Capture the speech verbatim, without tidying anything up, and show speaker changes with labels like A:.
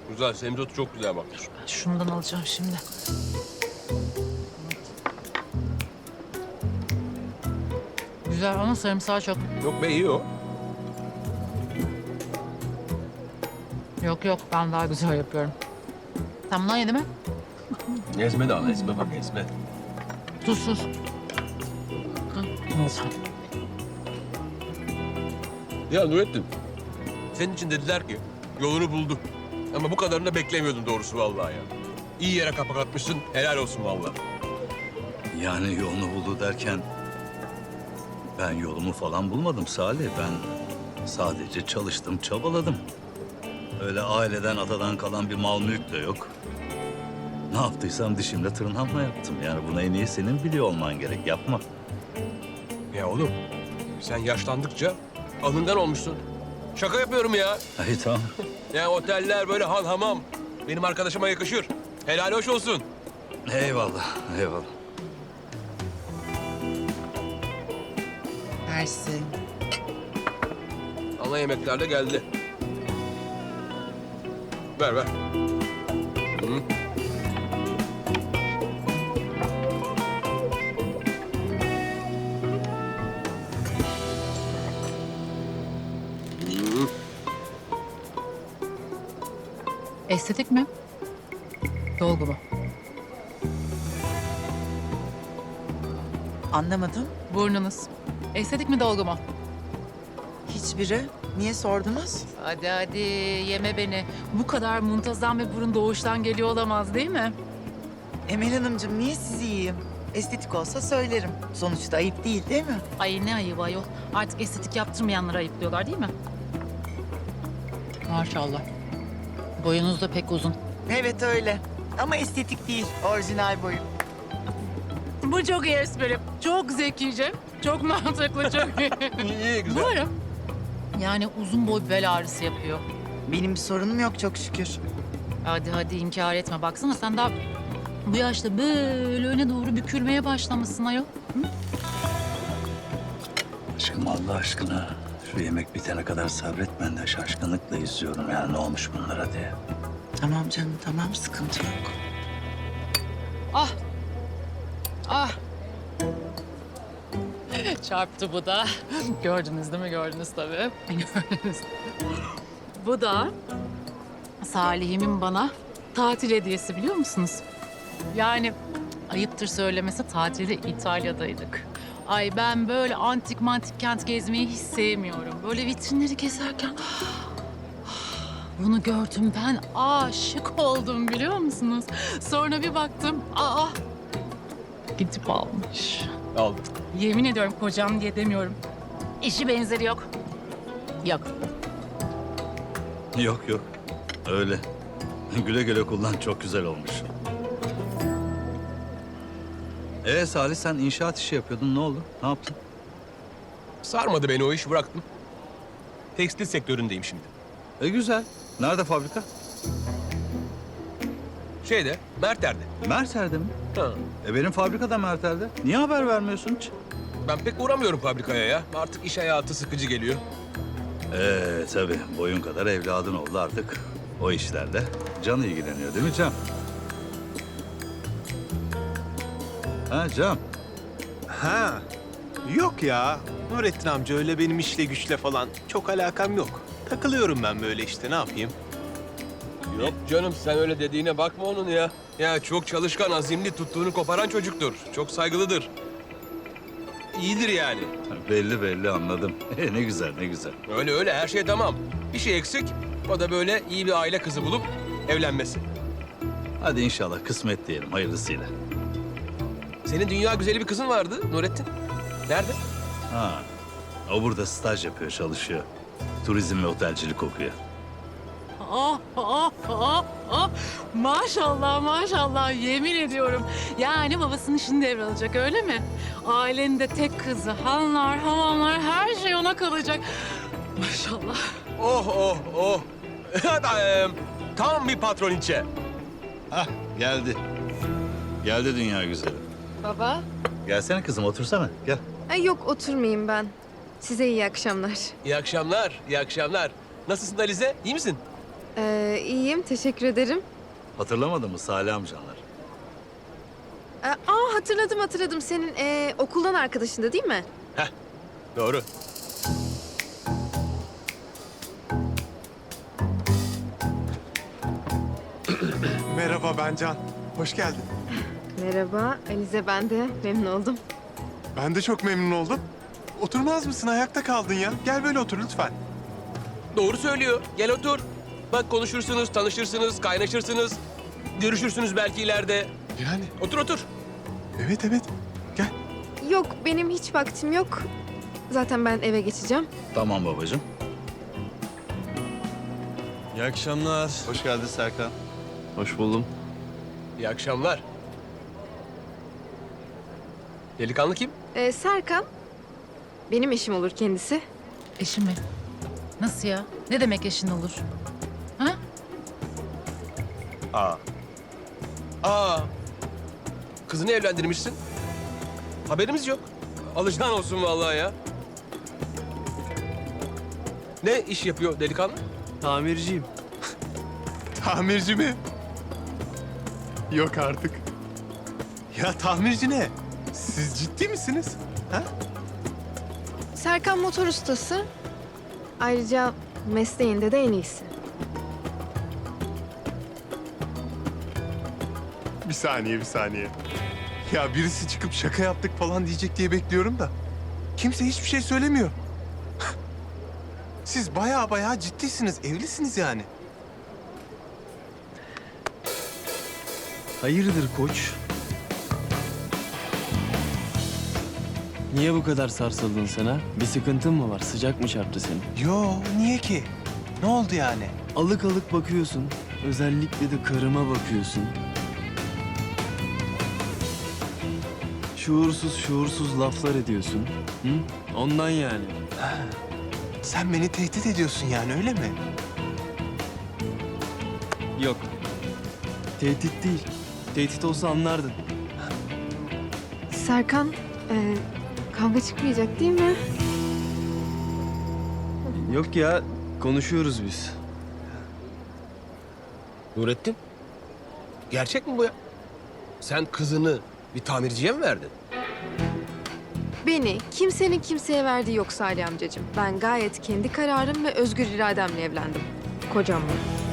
A: Güzel, semizotu çok güzel bak.
B: Ben şundan alacağım şimdi. Güzel ama sarımsağı çok.
A: Yok be, iyi o.
B: Yok yok, ben daha güzel yapıyorum. Sen bundan yedi mi?
A: Ezme de al, ezme bak, ezme.
B: Tuzsuz. Neyse.
A: Ya Nurettin, senin için dediler ki yolunu buldu. Ama bu kadarını da beklemiyordum doğrusu vallahi ya. İyi yere kapak atmışsın, helal olsun vallahi.
C: Yani yolunu buldu derken ben yolumu falan bulmadım Salih. Ben sadece çalıştım, çabaladım. Öyle aileden, atadan kalan bir mal mülk de yok. Ne yaptıysam dişimle tırnağımla yaptım. Yani bunu en iyi senin biliyor olman gerek. Yapma.
A: Ya oğlum, sen yaşlandıkça alından olmuşsun. Şaka yapıyorum ya.
C: Ay tamam.
A: Ya oteller böyle han hamam. Benim arkadaşıma yakışır. Helal hoş olsun.
C: Eyvallah, eyvallah.
D: Mersi.
A: Ana yemekler de geldi. Ver ver. Hı. Hı.
B: Estetik mi? Dolgu mu?
D: Anlamadım.
B: Burnunuz. Estetik mi, dolgu mu?
D: Hiçbiri. Niye sordunuz?
B: Hadi hadi, yeme beni. Bu kadar muntazam bir burun doğuştan geliyor olamaz değil mi?
D: Emel Hanımcığım niye sizi yiyeyim? Estetik olsa söylerim. Sonuçta ayıp değil değil mi?
B: Ay ne ayıbı ayol. Artık estetik yaptırmayanlara ayıplıyorlar değil mi? Maşallah. Boyunuz da pek uzun.
D: Evet öyle. Ama estetik değil. Orijinal boyum.
B: Bu çok iyi espri. Çok zekice. Çok mantıklı, çok iyi.
A: İyi, iyi, güzel.
B: Bu ara. Yani uzun boy bel ağrısı yapıyor.
D: Benim bir sorunum yok çok şükür.
B: Hadi hadi inkar etme. Baksana sen daha bu yaşta böyle öne doğru bükülmeye başlamışsın ayol.
C: Aşkım Allah aşkına şu yemek bitene kadar sabret, ben de şaşkınlıkla izliyorum yani ne olmuş bunlara diye.
D: Tamam canım tamam sıkıntı yok.
B: Ah. Ah. Çarptı bu da. Gördünüz değil mi? Gördünüz tabii. Gördünüz. Bu da Salih'imin bana tatil hediyesi biliyor musunuz? Yani ayıptır söylemesi tatilde İtalya'daydık. Ay ben böyle antik mantik kent gezmeyi hiç sevmiyorum. Böyle vitrinleri gezerken bunu gördüm, ben aşık oldum biliyor musunuz? Sonra bir baktım, aa gidip almış.
A: Aldım.
B: Yemin ediyorum kocam diye demiyorum. Eşi benzeri yok. Yok.
C: Yok yok öyle. Güle güle kullan, çok güzel olmuş. Ee Salih, sen inşaat işi yapıyordun, ne oldu? Ne yaptın?
A: Sarmadı beni o iş, bıraktım. Tekstil sektöründeyim şimdi.
C: E güzel. Nerede fabrika?
A: Şeyde, Merter'de.
C: Merter'de mi?
A: Ha.
C: E benim fabrika da Merter'de. Niye haber vermiyorsun hiç?
A: Ben pek uğramıyorum fabrikaya ya. Artık iş hayatı sıkıcı geliyor.
C: Ee tabii boyun kadar evladın oldu artık. O işlerle Can ilgileniyor değil mi Can? Ha Can?
E: Ha. Yok ya. Nurettin amca öyle benim işle güçle falan çok alakam yok. Takılıyorum ben böyle işte ne yapayım?
A: Yok canım, sen öyle dediğine bakma onun ya. Ya çok çalışkan, azimli, tuttuğunu koparan çocuktur. Çok saygılıdır. İyidir yani.
C: Belli belli anladım. E, ne güzel ne güzel.
A: Öyle öyle, her şey tamam. Bir şey eksik, o da böyle iyi bir aile kızı bulup evlenmesi.
C: Hadi inşallah kısmet diyelim hayırlısıyla.
A: Senin dünya güzeli bir kızın vardı Nurettin. Nerede?
C: Ha. O burada staj yapıyor, çalışıyor. Turizm ve otelcilik okuyor.
B: Oh, oh, oh, oh. Maşallah, maşallah. Yemin ediyorum. Yani babasının işini devralacak, öyle mi? Ailenin de tek kızı. Hanlar, hamamlar, her şey ona kalacak. Maşallah.
A: Oh oh oh. Em, Tam bir patroniçe.
C: Hah geldi. Geldi dünya güzeli.
F: Baba.
C: Gelsene kızım otursana gel.
F: Ay yok oturmayayım ben. Size iyi akşamlar.
A: İyi akşamlar, iyi akşamlar. Nasılsın Alize? İyi misin?
F: Ee, iyiyim, teşekkür ederim.
C: Hatırlamadın mı Salih amcanlar?
F: Ee, aa hatırladım hatırladım. Senin ee, okuldan arkadaşındı değil mi?
A: Doğru.
E: Merhaba ben Can. Hoş geldin.
F: Merhaba, Alize ben de. Memnun oldum.
E: Ben de çok memnun oldum. Oturmaz mısın? Ayakta kaldın ya. Gel böyle otur lütfen.
A: Doğru söylüyor. Gel otur. Bak konuşursunuz, tanışırsınız, kaynaşırsınız. Görüşürsünüz belki ileride.
E: Yani
A: Otur otur.
E: evet evet. Gel.
F: Yok, benim hiç vaktim yok. Zaten ben eve geçeceğim.
C: Tamam babacığım.
G: İyi akşamlar.
C: Hoş geldin Serkan.
G: Hoş buldum.
A: İyi akşamlar. Delikanlı kim?
F: Ee, Serkan, benim eşim olur kendisi.
B: Eşim mi? Nasıl ya? Ne demek eşin olur? Ha?
C: Aa.
A: Aa. Kızını evlendirmişsin. Haberimiz yok. Alacağın olsun vallahi ya. Ne iş yapıyor delikanlı?
G: Tamirciyim.
E: Tamirci mi? Yok artık. Ya tamirci ne? Siz ciddi misiniz? Ha?
F: Serkan motor ustası. Ayrıca mesleğinde de en iyisi.
E: Bir saniye, bir saniye. Ya birisi çıkıp şaka yaptık falan diyecek diye bekliyorum da. Kimse hiçbir şey söylemiyor. Siz bayağı bayağı ciddisiniz, evlisiniz yani.
G: Hayırdır koç? Niye bu kadar sarsıldın sen ha? Bir sıkıntın mı var? Sıcak mı çarptı seni?
E: Yo, niye ki? Ne oldu yani?
G: Alık alık bakıyorsun. Özellikle de karıma bakıyorsun. Şuursuz şuursuz laflar ediyorsun. Hı? Ondan yani.
E: Sen beni tehdit ediyorsun yani öyle mi?
G: Yok. Tehdit değil. Tehdit olsa anlardın.
F: Serkan, ee, kavga çıkmayacak değil mi?
G: Yok ya, konuşuyoruz biz.
A: Nurettin. Gerçek mi bu ya? Sen kızını bir tamirciye mi verdin?
F: Beni kimsenin kimseye verdiği yok Salih amcacığım. Ben gayet kendi kararım ve özgür irademle evlendim. Kocamla.